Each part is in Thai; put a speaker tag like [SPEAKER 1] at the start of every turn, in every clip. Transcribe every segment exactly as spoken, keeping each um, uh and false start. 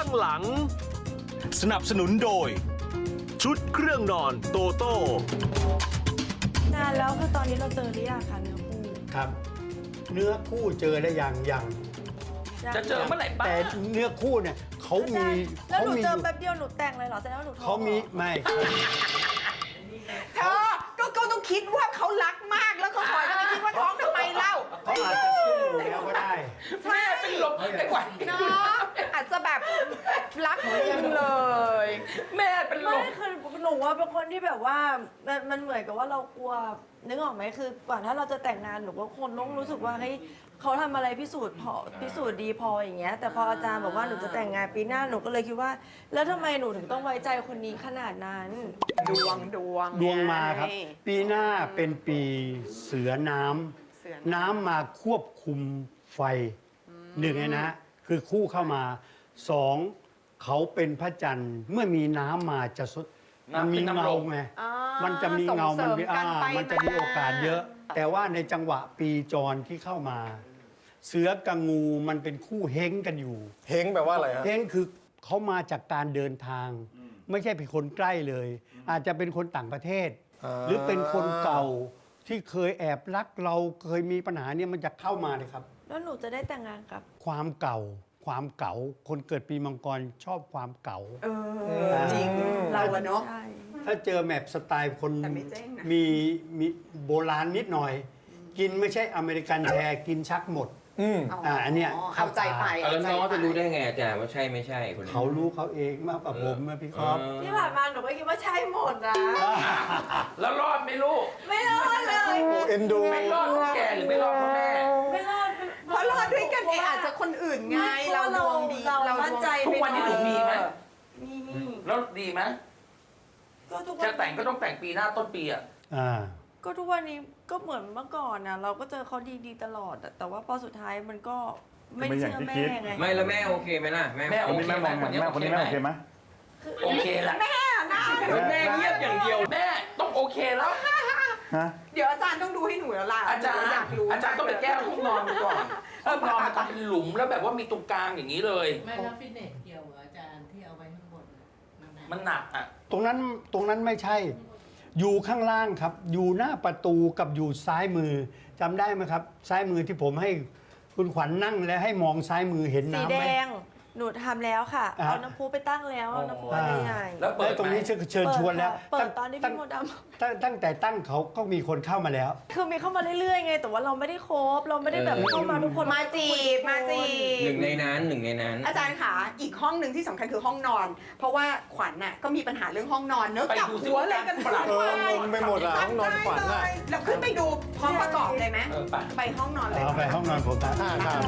[SPEAKER 1] องหลัง
[SPEAKER 2] สนับสนุนโดย
[SPEAKER 1] ชุดเครื่องนอนโตโต้
[SPEAKER 3] นานแล้วคือตอนนี้เราเจอหรือยังคะเนื้อคู่
[SPEAKER 4] ครับ เนื้อคู่เจอได้ยังยัง
[SPEAKER 5] จะเจอเมื่อไหร่บ้าง
[SPEAKER 4] แต่เนื้อคู่เนี่ยเขามี
[SPEAKER 3] แล้วหนู
[SPEAKER 4] มี
[SPEAKER 3] เจอแป๊บเดียวหนูแต่งเลยเหรอแสดงว่าหนูท้อง
[SPEAKER 4] เขามีไม่
[SPEAKER 6] เธอก็ก็ต้องคิดว่าเขารักมากแล้วก็คอยจะไปคิดว่าท้องทำไมเล่า
[SPEAKER 4] เขาอาจจะสู้แล้วก็ได้
[SPEAKER 5] แม่เป็นลมไอ้กว่า
[SPEAKER 6] เนาะอาจจะแบบรักจริงเลย
[SPEAKER 5] แม่เป็นล
[SPEAKER 3] ไม่
[SPEAKER 5] ม
[SPEAKER 3] คือหนูว่าเป็นคนที่แบบว่ามันมันเหมือนกับว่าเรากลัวนึกออกไหมคือก่อนถ้าเราจะแต่งงานหนูก็คนต้องรู้สึกว่าเฮ้ยเขาทำอะไรพิสูจน์พอพิสูจน์ดีพออย่างเงี้ยแต่พออาจารย์บอกว่าหนูจะแต่งงานปีหน้าหนูก็เลยคิดว่า แล้วทำไมหนูถึงต้องไว้ใจคนนี้ขนาดนั้น
[SPEAKER 6] ดวงดวง
[SPEAKER 4] ดวงมาครับ ปีหน้าเป็นปีเสือน้ำ
[SPEAKER 6] เสือ
[SPEAKER 4] น้ำมาควบคุมไฟหนึ่งไงนะ คือคู่เข้ามาสองเขาเป็นพระจันทร์เมื่อมีน้ำมาจะสดมันมีเงาไง
[SPEAKER 6] อ่า
[SPEAKER 4] มันจะมีเงา
[SPEAKER 6] ส่
[SPEAKER 4] มัน
[SPEAKER 6] ง
[SPEAKER 4] มี
[SPEAKER 6] เสริ
[SPEAKER 4] อ่า
[SPEAKER 6] กัไป
[SPEAKER 4] มันจะมีโอกาสเยอะ แต่ว่าในจังหวะปีจรที่เข้ามา เสือกับงูมันเป็นคู่เฮงกันอยู่
[SPEAKER 7] เฮงแปลว่าอะไรฮะ
[SPEAKER 4] เฮงคือเขามาจากการเดินทาง ไม่ใช่เป็นคนใกล้เลย อาจจะเป็นคนต่างประเทศ
[SPEAKER 7] อ่า
[SPEAKER 4] หรือเป็นคนเก่าที่เคยแอบรักเราเคยมีปัญหาเนี่ยมันจะเข้ามาเลยครับ
[SPEAKER 3] แล้วหนูจะได้แต่งงานกับ
[SPEAKER 4] ความเก่า ความเก่า คนเกิดปีมังกรชอบความเก่า
[SPEAKER 6] เออจริงเราอะเนาะ
[SPEAKER 3] ใช่
[SPEAKER 4] ถ้าเจอแมปสไตล์คน
[SPEAKER 6] แต่ไม่เจ๊งนะ
[SPEAKER 4] มีมีโบราณนิดหน่อย กินไม่ใช่อเมริกันแชร์กินชักหมด
[SPEAKER 7] อืม
[SPEAKER 4] อ่าอันเนี้ย
[SPEAKER 6] เข้าใจไป
[SPEAKER 8] แล้วน้องจะรู้ได้ไงอาจารย์ว่าใช่ไม่ใช่คนนี้
[SPEAKER 4] เขารู้เขาเองมากกว่าผมนะพี่ครับ
[SPEAKER 8] เออ
[SPEAKER 3] ที่ผ่านมาหนูก็คิดว่าใช่หมดนะ
[SPEAKER 5] แล้วรอดไหม่รู้
[SPEAKER 3] ไม่รอดเลย
[SPEAKER 7] โอ้เอ็นดู
[SPEAKER 5] ไม่รอดเพราะแกหรือไม่รอดเพราะแม่
[SPEAKER 3] ไม่รอด
[SPEAKER 6] เพราะรอดด้วยกันเองอาจจะคนอื่นไง
[SPEAKER 3] ไม่
[SPEAKER 6] เราดวงดี
[SPEAKER 3] เรา
[SPEAKER 6] เรา
[SPEAKER 3] มั่นใจ
[SPEAKER 5] ทุกวันนี้หนูมีไหม
[SPEAKER 3] มี
[SPEAKER 5] แล้วดีไหม
[SPEAKER 3] ก็ทุกวั
[SPEAKER 5] จะ
[SPEAKER 3] น
[SPEAKER 5] แต่งก็ต้องแต่งปีหน้าต้นปีอ่ะ
[SPEAKER 4] อ่า
[SPEAKER 3] ก็ทุกวันนี้ก็เหมือนเมื่อก่อนนะเราก็เจอเขาดีๆตลอดอะแต่ว่าพอสุดท้ายมันก็ไม่เชื่อแม่ไง
[SPEAKER 8] ไม่แล้วแม่โอเคไหมล่ะแม่
[SPEAKER 5] แม่
[SPEAKER 8] โอ
[SPEAKER 5] โอ
[SPEAKER 8] เค
[SPEAKER 5] เคไหมคนนี้แม่คนนี้แม่โอเคไหมโอเคละ
[SPEAKER 6] แม่นะ
[SPEAKER 5] แม่เงียบอย่างเดียวแม่ต้องโอเคแล้ว
[SPEAKER 6] เดี๋ยวอาจารย์ต้องดูให้หนูแล้วล่ะ
[SPEAKER 5] อาจารย์
[SPEAKER 6] หนูอยากรู้
[SPEAKER 5] อาจารย์ต้องไปแก้ห้องนอนก่อนห้องนอนมันทำเป็นหลุมแล้วแบบว่ามีตรงกลางอย่างนี้เลย
[SPEAKER 9] ไม่แล้วฟิตเนสเกี่ยวเหรออาจารย์ที่เอาไว้ข้างบนน่ะมันนะ
[SPEAKER 5] มันหนักอ่ะ
[SPEAKER 4] ตรงนั้นตรงนั้นไม่ใช่ อยู่ข้างล่างครับ อยู่หน้าประตูกับอยู่ซ้ายมือจำได้ไหมครับ ซ้ายมือที่ผมให้คุณขวัญนั่งและให้มองซ้ายมือเห็น
[SPEAKER 3] สี
[SPEAKER 4] น้ำ
[SPEAKER 3] แด
[SPEAKER 4] ไหม
[SPEAKER 3] งหนูทำแล้วค่ะ
[SPEAKER 4] อ่า
[SPEAKER 3] เอาน้ำพุไปตั้งแล้วเอาน้ำพุอันใหญ่ๆ
[SPEAKER 5] แล้วเปิ
[SPEAKER 4] และ
[SPEAKER 5] ด
[SPEAKER 4] ตรง
[SPEAKER 5] ไหม
[SPEAKER 4] นี้เชิญเชิญชวนแล้ว
[SPEAKER 3] เปิด
[SPEAKER 4] ตั้ง
[SPEAKER 3] ตอนที่
[SPEAKER 4] ตั้
[SPEAKER 3] พี่
[SPEAKER 4] ง
[SPEAKER 3] มดด
[SPEAKER 4] ตั้งตั้งแต่ตั้งเขาก็มีคนเข้ามาแล้ว
[SPEAKER 3] ำคือมีเข้ามาเรื่อยๆไง แต่ว่าเราไม่ได้คบเราไม่ได้แบบเข้ามาทุกคน
[SPEAKER 6] มาจีบมาจีบ
[SPEAKER 8] หนึ่งในนั้นหนึ่งในนั้น
[SPEAKER 6] อาจารย์ขาอีกห้องหนึ่งที่สำคัญคือห้องนอน เพราะว่าขวัญน่ะก็มีปัญหาเรื่องห้องนอนเนอะ
[SPEAKER 5] ไป
[SPEAKER 6] กลับ
[SPEAKER 5] ดูซิ
[SPEAKER 6] หัว
[SPEAKER 5] ว่า
[SPEAKER 6] อะไรกัน
[SPEAKER 5] ปรับ
[SPEAKER 7] เอองงไปหมดอะห้องนอนขวัญ
[SPEAKER 6] ได้
[SPEAKER 7] อะ
[SPEAKER 6] เลยเราขึ้นไปดูพร้อมประกอบเลยไหม
[SPEAKER 5] เออไป
[SPEAKER 6] ไปห้องนอนเลย
[SPEAKER 4] เอาไปห้องนอนผมนะ
[SPEAKER 7] อ่าครับ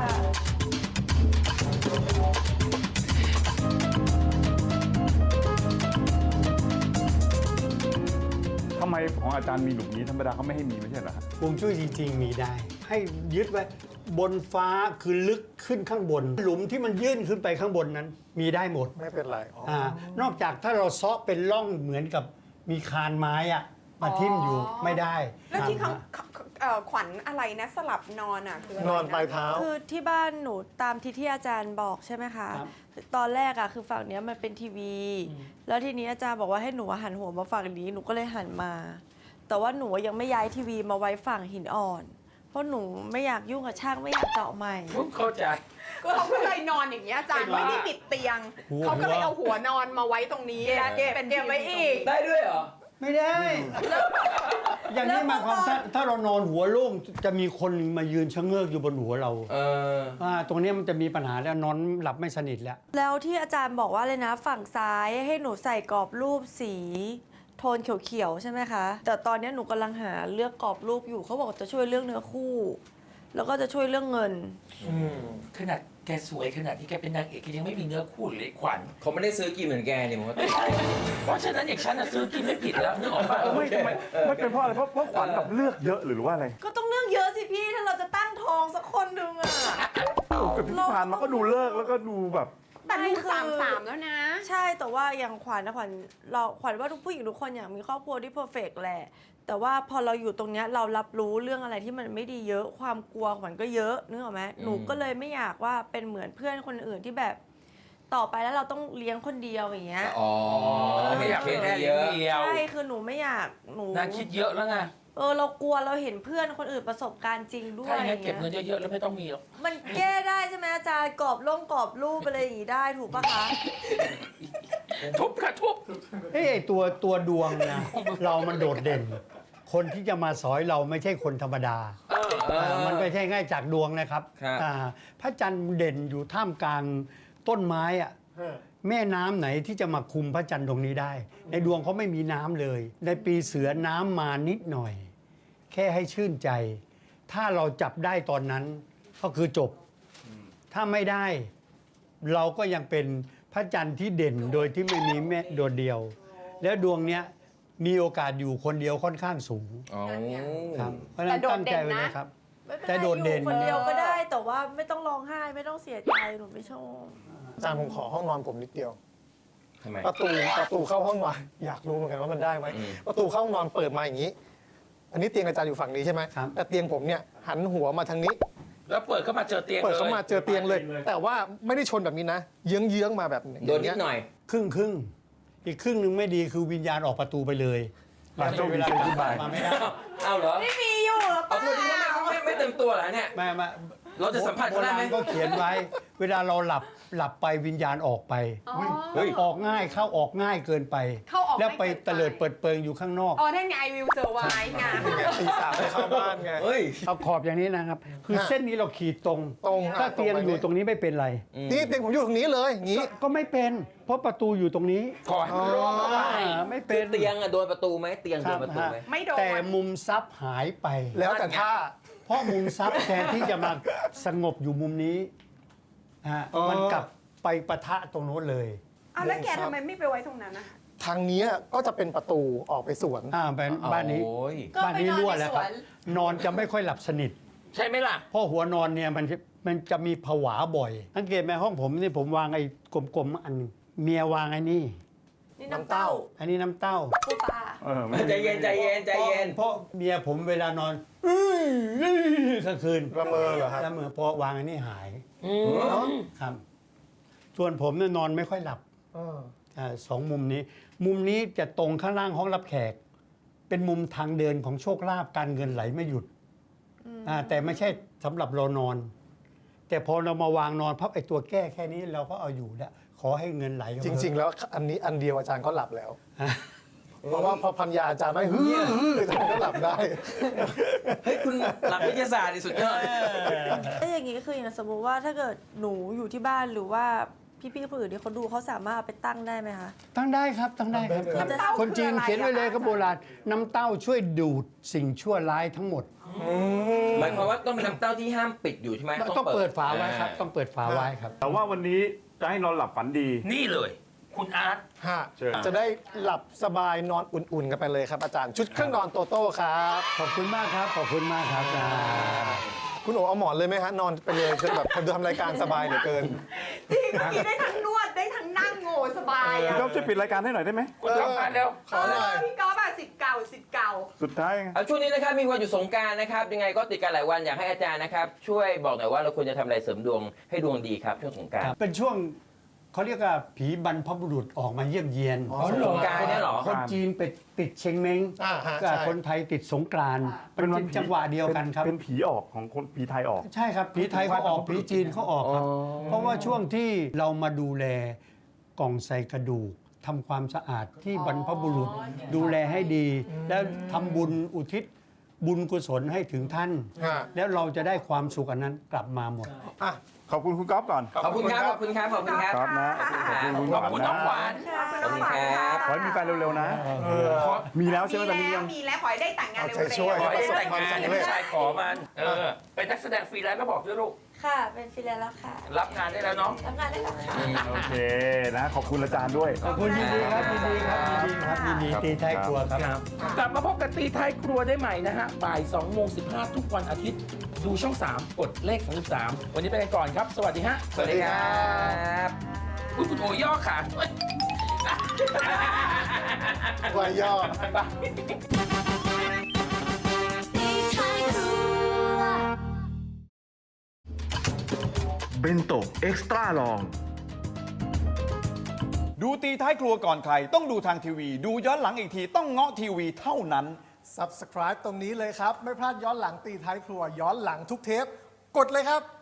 [SPEAKER 10] ทำไมของอาจารย์มีหลุมนี้ธรรมดาเขาไม่ให้มีไม่ใช่เหรอฮะ
[SPEAKER 4] ฮวงจุ้ยจริง ๆ มีได้ ให้ยึดไว้บนฟ้าคือลึกขึ้นข้างบน หลุมที่มันยื่นขึ้นไปข้างบนนั้น มีได้หมด
[SPEAKER 7] ไม่เป็นไรอ๋อ
[SPEAKER 4] อ่านอกจากถ้าเราเซาะเป็นร่องเหมือนกับมีคานไม้อะมาทิ่มอยู่ไม่ได้
[SPEAKER 6] แล้วที่เขา
[SPEAKER 4] อ่า
[SPEAKER 6] เอ่อขวัญอะไรนะสลับนอนอ่ะคืออะไร
[SPEAKER 7] นอนปลายเท้า
[SPEAKER 3] คือที่บ้านหนูตามที่ที่อาจารย์บอกใช่ไหมคะ
[SPEAKER 4] ครับ
[SPEAKER 3] ตอนแรกอะคือฝั่งเนี้ยมันเป็นทีวี แล้วทีนี้อาจารย์บอกว่าให้หนูหันหัวมาฝั่งนี้หนูก็เลยหันมา แต่ว่าหนูยังไม่ย้ายทีวีมาไว้ฝั่งหินอ่อน เพราะหนูไม่อยากยุ่งกับช่างไม่อยากเจาะใหม่
[SPEAKER 5] เข้าใจ
[SPEAKER 6] ก็เขาก็เลยนอนอย่างเงี้ยอาจารย์ไม่ได้ปิดเตียง เขาก็เลยเอาหัวนอนมาไว้ตรงนี้
[SPEAKER 3] เก็บเก็บ
[SPEAKER 6] เป็น
[SPEAKER 3] เก็บไว้อีก
[SPEAKER 5] ได้ด้วยเหรอ
[SPEAKER 4] ไม่ได้ อย่างนี้หมายความถ้าถ้าเรานอนหัวโล่งจะมีคนมายืนชะเง้ออยู่บนหัวเรา
[SPEAKER 8] เออ
[SPEAKER 4] อ่าตรงเนี้ยมันจะมีปัญหาแล้วนอนหลับไม่สนิทแล้ว
[SPEAKER 3] แล้วที่อาจารย์บอกว่าเลยนะฝั่งซ้ายให้หนูใส่กรอบรูปสีโทนเขียวๆใช่ไหมคะ แต่ตอนนี้หนูกำลังหาเลือกกรอบรูปอยู่เขาบอกจะช่วยเรื่องเนื้อคู่ แล้วก็จะช่วยเรื่องเงิน
[SPEAKER 5] ขนาดแกสวยขนาดที่แกเป็นนางเอกแกยังไม่มีเนื้อคู่เลยขวัญ
[SPEAKER 8] เขาไม่ได้ซื้อกินเหมือนแกนี่ผมว่า
[SPEAKER 5] เพราะฉะนั้นอย่างฉันน่ะซื้อกินไม่ผิดแล้วนึกออกป่ะ
[SPEAKER 10] ไม่ทำไมไม่เป็นเพราะอะไรเพราะเพราะขวัญแบบเลือกเยอะหรือว่าอะไร
[SPEAKER 3] ก็ต้องเรื่องเยอะสิพี่ถ้าเราจะตั้งทองสักคนหนึ่งอะ
[SPEAKER 10] แต่ที่ผ่านมาก็ดูเลิกแล้วก็ดูแบบ
[SPEAKER 6] แต่ลูกสามสามแล้วนะ
[SPEAKER 3] ใช่แต่ว่าอย่างขวัญนะขวัญเราขวัญว่าทุกผู้หญิงทุกคนอยากมีครอบครัวที่เพอร์เฟกต์แหละแต่ว่าพอเราอยู่ตรงเนี้ยเรารับรู้เรื่องอะไรที่มันไม่ดีเยอะความกลัวขวัญก็เยอะนึกออกไหมหนูก็เลยไม่อยากว่าเป็นเหมือนเพื่อนคนอื่นที่แบบต่อไปแล้วเราต้องเลี้ยงคนเดียวอย่างเงี้ย
[SPEAKER 8] อ๋อ
[SPEAKER 5] ไม่อยากเป็นแม่เลี้ยงเดียว
[SPEAKER 3] ใช่คือหนูไม่อยากหนู
[SPEAKER 5] นางคิดเยอะแล้วไง
[SPEAKER 3] เออเรากลัวเราเห็นเพื่อนคนอื่นประสบการณ์จริงด้วย
[SPEAKER 5] ถ้าอย่าง
[SPEAKER 3] อ
[SPEAKER 5] นั้น
[SPEAKER 3] ย่าง
[SPEAKER 5] เก็บเงิ
[SPEAKER 3] เงี้
[SPEAKER 5] น
[SPEAKER 3] ย
[SPEAKER 5] เยอะๆแล้วไม่ต้องมีหรอก
[SPEAKER 3] มันแก้ได้ใช่ไหมอาจารย์กรอบลงกรอบรูปอะไรอย่างงี้ได้ถูกปะคะ
[SPEAKER 5] ทุบค่ะทุบ
[SPEAKER 4] เอ้ยไอ้ตัวตัวดวงนะ เรามันโดดเด่น คนที่จะมาสอยเราไม่ใช่คนธรรมดา
[SPEAKER 5] เออ
[SPEAKER 4] อ่ามันไม่ใช่ง่ายจากดวงนะครับ
[SPEAKER 8] ครับ
[SPEAKER 4] อ่าพระจันทร์เด่นอยู่ท่ามกลางต้นไม้อะแม่น้ำไหนที่จะมาคุมพระจันทร์ตรงนี้ได้ ในดวงเขาไม่มีน้ำเลย ในปีเสือน้ำมานิดหน่อย แค่ให้ชื่นใจ ถ้าเราจับได้ตอนนั้นก็คือจบ ถ้าไม่ได้ เราก็ยังเป็นพระจันทร์ที่เด่นโดยที่ไม่มีแม่โดดเดียว แล้วดวงเนี้ยมีโอกาสอยู่คนเดียวค่อนข้างสูง
[SPEAKER 8] อ๋อ
[SPEAKER 4] ครับเพราะฉะนั้นตั้งใจไว้นะครับ
[SPEAKER 3] ไม่เป็น
[SPEAKER 4] แต่
[SPEAKER 3] ไร
[SPEAKER 4] โดดเด่น
[SPEAKER 3] อยู่คนเดียวก็ได้ แต่ว่าไม่ต้องร้องไห้ไม่ต้องเสียใจหนูไม่ชอบ
[SPEAKER 7] อาจารย์ผมขอห้องนอนผมนิดเดียว
[SPEAKER 8] ทำไม
[SPEAKER 7] ประตูประตูเข้าห้องนอนอยากรู้เหมือนกันว่ามันได้ไหม
[SPEAKER 8] อืม
[SPEAKER 7] ประตูเข้าห้องนอนเปิดมาอย่างนี้ อันนี้เตียงอาจารย์อยู่ฝั่งนี้ใช่ไหม
[SPEAKER 4] ครับ
[SPEAKER 7] แต่เตียงผมเนี่ยหันหัวมาทางนี้
[SPEAKER 5] แล้วเปิดเข้ามาเจอเตียง
[SPEAKER 7] เปิดเข้ามา
[SPEAKER 5] ลย
[SPEAKER 7] เจอเตียงเลย แต่ว่าไม่ได้ชนแบบนี้นะ เยื้องเยื้องๆมาแบบาง
[SPEAKER 8] โดนนิดหน่อย
[SPEAKER 4] ครึ่งครึ่งอีกครึ่งหนึ่งไม่ดีคือวิญญาณออกประตูไปเลย
[SPEAKER 10] อ่ะโชคดีเชิญขึ้นไป
[SPEAKER 4] มาไม่ได้
[SPEAKER 8] เอาเหรอ
[SPEAKER 3] ไม่มีอยู่หรอ
[SPEAKER 8] เอา
[SPEAKER 3] ป้า
[SPEAKER 8] ตัวนี้ก็ไม่ไม่ไม่เต็มตัวเหรอเนี่ย
[SPEAKER 4] ไม่ไม่
[SPEAKER 8] เราจะสัมผัสเขาได้ไหม
[SPEAKER 4] โบรณก็เขียนไว้ เวลาเราหลับหลับไปวิญญาณออกไป
[SPEAKER 8] เฮ้ย
[SPEAKER 4] ออกง่ายเข้าออกง่ายเกินไป
[SPEAKER 6] เข้าออก
[SPEAKER 4] แล้วไป
[SPEAKER 6] ง่ายเกินไป
[SPEAKER 4] เตลิดเปิดเปิงอยู่ข้างนอก
[SPEAKER 6] อ๋อนั่นไง I will survive ไง
[SPEAKER 7] นี่ไงตีสามไปเข้าบ้านไง
[SPEAKER 8] เฮ้ย
[SPEAKER 4] เอาขอบอย่างนี้นะครับ คือ
[SPEAKER 7] ฮะ
[SPEAKER 4] เส้นนี้เราขีดตรง
[SPEAKER 7] ตรง
[SPEAKER 4] ถ้า
[SPEAKER 7] อ่ะ
[SPEAKER 4] เตียง
[SPEAKER 7] ตรงไป
[SPEAKER 4] อยู่ตรงนี้ไม่เป็นไร
[SPEAKER 7] นี่เตียงผมอยู่ตรงนี้เลยอย่างนี้
[SPEAKER 4] ก็ไม่เป็น เพราะประตูอยู่ตรงนี้
[SPEAKER 5] ขอให้มันโล่งเข้าไว้
[SPEAKER 4] อ่าไม่
[SPEAKER 8] คื
[SPEAKER 4] เป็
[SPEAKER 8] อน เตียงอะโดนประตูไหมเตียงโดนประตูไหม
[SPEAKER 6] ไม่โดน
[SPEAKER 4] แต่มุมซับหายไป
[SPEAKER 7] แล้วแต่ท่า
[SPEAKER 4] เพราะมุมซับแทนที่จะมาสงบอยู่มุมนี้ฮะ
[SPEAKER 7] อ๋อ
[SPEAKER 4] มันกลับไปปะทะตรงโน้นเลย
[SPEAKER 6] เอาแล้วแกทำไมไม่ไปไว้ตรงนั้นนะ
[SPEAKER 7] ทางเนี้ยก็จะเป็นประตูออกไปสวน
[SPEAKER 4] อ่าบ้านบ้านนี้
[SPEAKER 8] โอ้ย
[SPEAKER 4] บ้านนี้รั่วแล้วครับ นอนจะไม่ค่อยหลับสนิท
[SPEAKER 5] ใช่ไหมล่ะ
[SPEAKER 4] เพราะหัวนอนเนี่ยมันจะมันจะมีผวาบ่อยสังเกตไหมห้องผมนี่ผมวางไอ้กลมๆอันหนึงเมียวางไอ้นี่
[SPEAKER 3] นี่น้ำเต้า
[SPEAKER 4] อันนี้น้ำเต้า
[SPEAKER 3] ปูปลา
[SPEAKER 10] เออไม่
[SPEAKER 8] ใจเย็นใจเย็นใจเย็น
[SPEAKER 4] เพราะเมียผมเวลานอนอื้ออื้อกลางคืน
[SPEAKER 7] ละเมอเหรอครับ
[SPEAKER 4] แล้วเมื่อพอวางอันนี้หาย
[SPEAKER 5] อืม
[SPEAKER 4] ครับ ส่วนผมเนี่ยนอนไม่ค่อยหลับ
[SPEAKER 7] เออ
[SPEAKER 4] อ่าสองมุมนี้ มุมนี้จะตรงข้างล่างห้องรับแขก เป็นมุมทางเดินของโชคลาภการเงินไหลไม่หยุดอ่าแต่ไม่ใช่สำหรับเรานอน แต่พอเรามาวางนอนพับไอ้ตัวแก้แค่นี้เราก็เอาอยู่แล้วขอให้เงินไหลเข้า
[SPEAKER 7] จ
[SPEAKER 4] มา
[SPEAKER 7] ริง ๆ แล้วอันนี้อันเดียวอาจารย์ก็หลับแล้ว เพราะว่าพอพันยาอาจารย์ไม่ฮือฮืออาจารย์ก็หลับได้
[SPEAKER 8] เฮ้ยคุณหลักวิทยาศาสตร์นี่สุดยอด
[SPEAKER 3] ถ้าอย่างนี้ก็คืออย่างสมมุติว่าถ้าเกิดหนูอยู่ที่บ้านหรือว่าพี่ๆคนอื่นที่เขาดูเขาสามารถเอาไปตั้งได้ไหมคะ
[SPEAKER 4] ตั้งได้ครับตั้งได้ครับ
[SPEAKER 6] น้ำเต้า
[SPEAKER 4] คนจีน
[SPEAKER 6] คืออะไร
[SPEAKER 4] เขียนไว้เลย
[SPEAKER 6] อะคะ
[SPEAKER 4] ก็โบราณน้ำเต้าช่วยดูดสิ่งชั่วร้ายทั้งหมด
[SPEAKER 8] หมายความว่าต้องเป็นน้ำเต้าที่ห้ามปิดอยู่ใช่ไหม
[SPEAKER 4] ต้องเปิดฝาไว้ครับ ต้องเปิดฝาไว้ครับ
[SPEAKER 10] แต่ว่าวันนี้จะให้นอนหลับฝันดี
[SPEAKER 5] นี่เลย คุณอาร์ต
[SPEAKER 7] ฮะ
[SPEAKER 10] เชิญ
[SPEAKER 7] จะได้หลับสบายนอนอุ่น ๆ กันไปเลยครับอาจารย์ ชุดเครื่องนอนโตโต้ครับ
[SPEAKER 4] ขอบคุณมากครับ ขอบคุณมากครับอ่า
[SPEAKER 7] คุณโอเอาหมอนเลยไหมฮะ นอนไปเลยคือแบบทำรายการสบายเหลือเกิน
[SPEAKER 6] จริงเมื่อกี้ได้ทั้งนวดได้ทั้งนั่งโง่สบาย
[SPEAKER 10] คุณ
[SPEAKER 6] อ่ะ
[SPEAKER 10] ก๊อฟช่วยปิดรายการให้หน่อยได้ไหม
[SPEAKER 5] คุณทำงานเร็ว
[SPEAKER 7] ขอหน่อย
[SPEAKER 6] เพี่ก๊อฟอะสิทธิ์เก่าสิทธิ์เก่า
[SPEAKER 10] สุดท้ายไง
[SPEAKER 8] เอาช่วงนี้นะครับมีวันหยุดสงกรานต์นะครับยังไงก็ติดกันหลายวันอยากให้อาจารย์นะครับช่วยบอกหน่อยว่าเราควรจะทำอะไรเสริมดวงให้ดวงดีครับช่วงสงกรานต์
[SPEAKER 4] เป็นช่วงเขาเรียกว่าผีบรรพบุรุษออกมาเยี่ยมเยียน
[SPEAKER 7] อ๋อ
[SPEAKER 8] สงกรานต์เนี่ยเหรอ
[SPEAKER 4] คนจีนไปติดเชงเม้ง
[SPEAKER 7] อ่าฮะ
[SPEAKER 4] กับ
[SPEAKER 7] ใช่
[SPEAKER 4] คนไทยติดสงกรานต์เป็นจังหวะเดียวกันครับ
[SPEAKER 10] เป็นผีออกของคนผีไทยออก
[SPEAKER 4] ใช่ครับผีไทยเขาออกผีจีนเขาออกครับ เพราะว่าช่วงที่เรามาดูแลกล่องใส่กระดูกทำความสะอาดที่บรรพบุรุษดูแลให้ดี แล้วทำบุญอุทิศบุญกุศลให้ถึงท่าน
[SPEAKER 7] ฮะ
[SPEAKER 4] แล้วเราจะได้ความสุขอันนั้นกลับมาหมด
[SPEAKER 7] อ่ะ
[SPEAKER 10] ขอบคุณคุณก๊อฟก่อน
[SPEAKER 8] ขอบคุณครับขอบคุณครับขอบคุณครับ
[SPEAKER 10] ครับนะ
[SPEAKER 8] ขอบคุณ
[SPEAKER 10] ขอบคุณ
[SPEAKER 5] ขอบคุณน้องหวาน
[SPEAKER 8] ขอบคุณครับ
[SPEAKER 10] ขอให้มีแฟนเร็วๆนะ มีแล้วใช่ไหมตอนนี้ยัง
[SPEAKER 6] มีแล้วขอให้ได้แต่งงาน
[SPEAKER 7] เอา
[SPEAKER 6] เร็
[SPEAKER 7] ใจช่วย
[SPEAKER 6] ว
[SPEAKER 5] ขอให้
[SPEAKER 7] ประสบ
[SPEAKER 5] แต่ง
[SPEAKER 7] ความ
[SPEAKER 5] งาน
[SPEAKER 7] สำ
[SPEAKER 5] ให้
[SPEAKER 7] เร็จ
[SPEAKER 5] ผู้ชายขอมัน เออ เป็นนักแสดงฟรีแลนซ์ก็บอกด้วยลูก
[SPEAKER 3] ค่ะ เป็นฟรีแลนซ์แล้วค่ะ
[SPEAKER 5] รับงานได้แล้วเนาะ
[SPEAKER 3] ทำงานได้แล้วค่ะ
[SPEAKER 10] โอเคนะ ขอบคุณอาจารย์ด้วย
[SPEAKER 4] ขอบคุณยินดีครับยินดีครับยินดีครับยินดีตีท้ายครัวครับ
[SPEAKER 5] กลับมาพบกับตีท้ายครัวได้ใหม่นะฮะ บ่าย2โมง15 ทุกวันอาทิตย์ ดูช่อง สาม กดเลขสามสิบสามวันนี้ไปกันก่อนครับ สวัสดีฮะ
[SPEAKER 8] สวัสดีครับ
[SPEAKER 5] อุ๊ยคุณโอย่อขา
[SPEAKER 7] วายย่อ
[SPEAKER 5] ไป
[SPEAKER 1] เบนโตะเอ็กซ์ตร้าลอง
[SPEAKER 10] ดูตีท้ายครัวก่อนใคร ต้องดูทางทีวี ดูย้อนหลังอีกทีต้องเงาะทีวีเท่านั้น
[SPEAKER 7] Subscribe ตรงนี้เลยครับ ไม่พลาดย้อนหลังตีท้ายครัวย้อนหลังทุกเทป กดเลยครับ